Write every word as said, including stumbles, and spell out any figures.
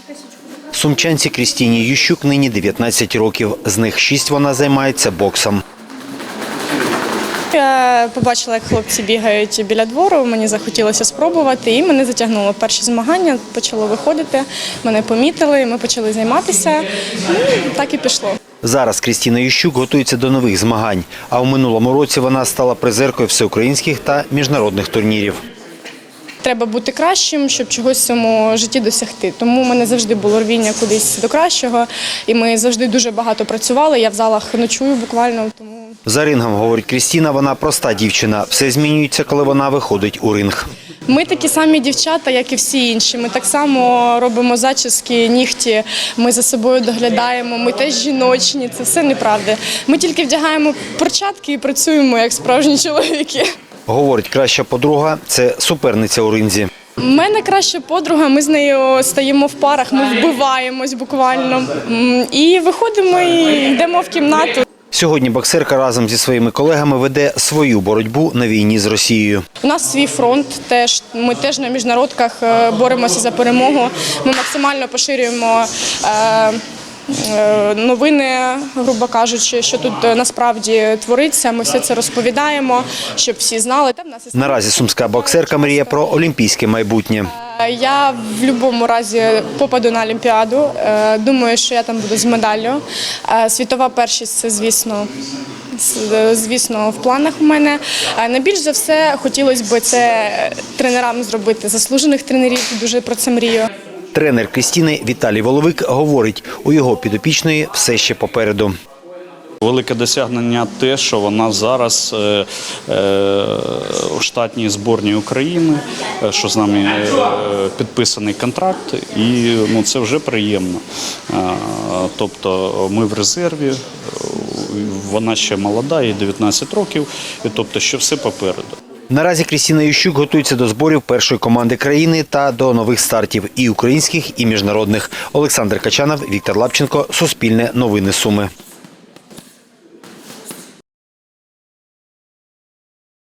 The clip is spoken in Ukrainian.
Сумчанці Крістіні Ющук нині дев'ятнадцять років. З них шість вона займається боксом. Я побачила, як хлопці бігають біля двору, мені захотілося спробувати і мене затягнуло. Перші змагання почало виходити, мене помітили, ми почали займатися, і так і пішло. Зараз Крістіна Ющук готується до нових змагань, а у минулому році вона стала призеркою всеукраїнських та міжнародних турнірів. Треба бути кращим, щоб чогось в цьому житті досягти. Тому в мене завжди було рвіння кудись до кращого, і ми завжди дуже багато працювали, я в залах ночую буквально. Тому... За рингом, говорить Крістіна, вона проста дівчина. Все змінюється, коли вона виходить у ринг. Ми такі самі дівчата, як і всі інші. Ми так само робимо зачіски, нігті, ми за собою доглядаємо, ми теж жіночні, це все неправда. Ми тільки вдягаємо перчатки і працюємо як справжні чоловіки. Говорить, краща подруга – це суперниця у ринзі. У мене краща подруга, ми з нею стаємо в парах, ми вбиваємось буквально. І виходимо і йдемо в кімнату. Сьогодні боксерка разом зі своїми колегами веде свою боротьбу на війні з Росією. У нас свій фронт, теж, ми теж на міжнародках боремося за перемогу. Ми максимально поширюємо е, новини, грубо кажучи, що тут насправді твориться. Ми все це розповідаємо, щоб всі знали. Наразі сумська боксерка мріє про олімпійське майбутнє. Я в будь-якому разі попаду на Олімпіаду. Думаю, що я там буду з медаллю. Світова першість – це, звісно, звісно, в планах у мене. Найбільш за все хотілося б це тренерам зробити, заслужених тренерів, дуже про це мрію. Тренер Крістіни Віталій Воловик говорить, у його підопічної все ще попереду. Велике досягнення те, що вона зараз е, е, у штатній збірній України, що з нами е, підписаний контракт, і ну, це вже приємно. Е, тобто ми в резерві, вона ще молода, їй дев'ятнадцять років, і тобто що все попереду. Наразі Крістіна Ющук готується до зборів першої команди країни та до нових стартів – і українських, і міжнародних. Олександр Качанов, Віктор Лапченко, Суспільне новини Суми.